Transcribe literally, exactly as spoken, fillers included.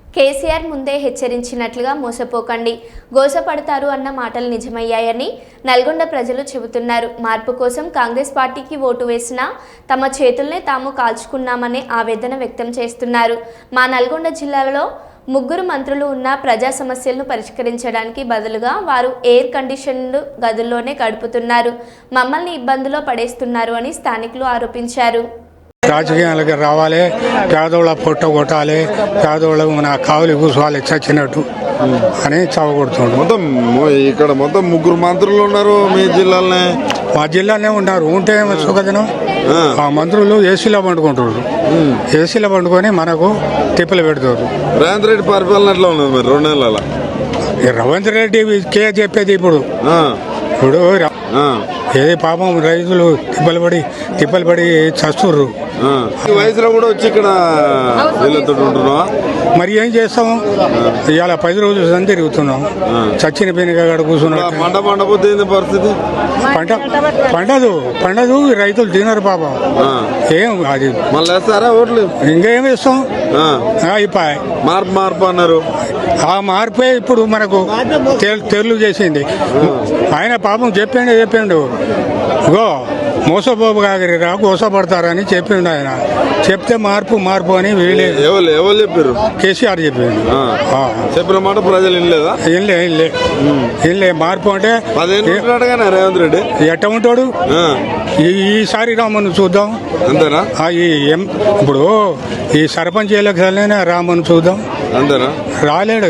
కేసీఆర్ ముందే హెచ్చరించినట్లుగా మోసపోకండి, గోసపడతారు అన్న మాటలు నిజమయ్యాయని నల్గొండ ప్రజలు చెబుతున్నారు. మార్పు కోసం కాంగ్రెస్ పార్టీకి ఓటు వేసినా తమ చేతుల్నే తాము కాల్చుకున్నామనే ఆవేదన వ్యక్తం చేస్తున్నారు. మా నల్గొండ జిల్లాలో ముగ్గురు మంత్రులు ఉన్న ప్రజా సమస్యలను పరిష్కరించడానికి బదులుగా వారు ఎయిర్ కండిషన్డ్ గదుల్లోనే గడుపుతున్నారు, మమ్మల్ని ఇబ్బందులో పడేస్తున్నారు అని స్థానికులు ఆరోపించారు. రాజకీయాలకు రావాలి, పేదోళ్ళ పొట్ట కొట్టాలి, పేదోళ్ళ మన కావులు కూర్చోవాలి చచ్చినట్టు అని చావగొడుతుండ్రు. మొత్తం ఇక్కడ మొత్తం ముగ్గురు మంత్రులు ఉన్నారు మీ జిల్లాలోనే. మా జిల్లాలోనే ఉన్నారు. ఉంటే సుఖదినం ఆ మంత్రులు ఏసీలో పండుకుంటారు. ఏసీలో పండుకొని మనకు తిప్పలు పెడతారు. రేవంత్ రెడ్డి పరిపాలన ఎట్లా ఉన్నది మరి రెండు నెలల? రేవంత్ రెడ్డి కే చెప్పేది ఇప్పుడు ఇప్పుడు ఏది పాపం రైతులు తిప్పలు పడి తిప్పలు పడి చస్తుర్రు. ఈ వయసులో కూడా వచ్చి ఇక్కడ వీళ్ళతో ఉంటున్నావా? మరి ఏం చేస్తాము, ఇవాళ పది రోజులు సంది తిరుగుతున్నాం. చచ్చిన పెనుగడ కూర్చున్నాం. పంట పండపోతే పరిస్థితి పంట పండదు పండదు రైతులు తినరు పాపం. ఏం అది మళ్ళీ వేస్తారా ఓట్లు? ఇంకేం వేస్తాం. అయిపోయి మార్పు మార్పు అన్నారు. ఆ మార్పే ఇప్పుడు మనకు తెలు చేసింది. ఆయన పాపం చెప్పిండు చెప్పిండు గో మోసపోపు కాగరిరా గోసపడతారని చెప్పిండు. ఆయన చెప్తే మార్పు మార్పు అని వీళ్ళే ఎవరు ఎవరు చెప్పారు? కేసీఆర్ చెప్పిండు. చెప్పిన మాట ప్రజలు వినలేదా? ఇల్లే ఇల్లే ఇల్లే మార్పు అంటే రేవంత్ రెడ్డి ఎట్ట ఉంటాడు. ఈసారి రామను చూద్దాం అంతేనా? ఇప్పుడు ఈ సర్పంచ్ ఎలక్షన్లైనా రామను చూద్దాం. అంతేనా? రాలేడు.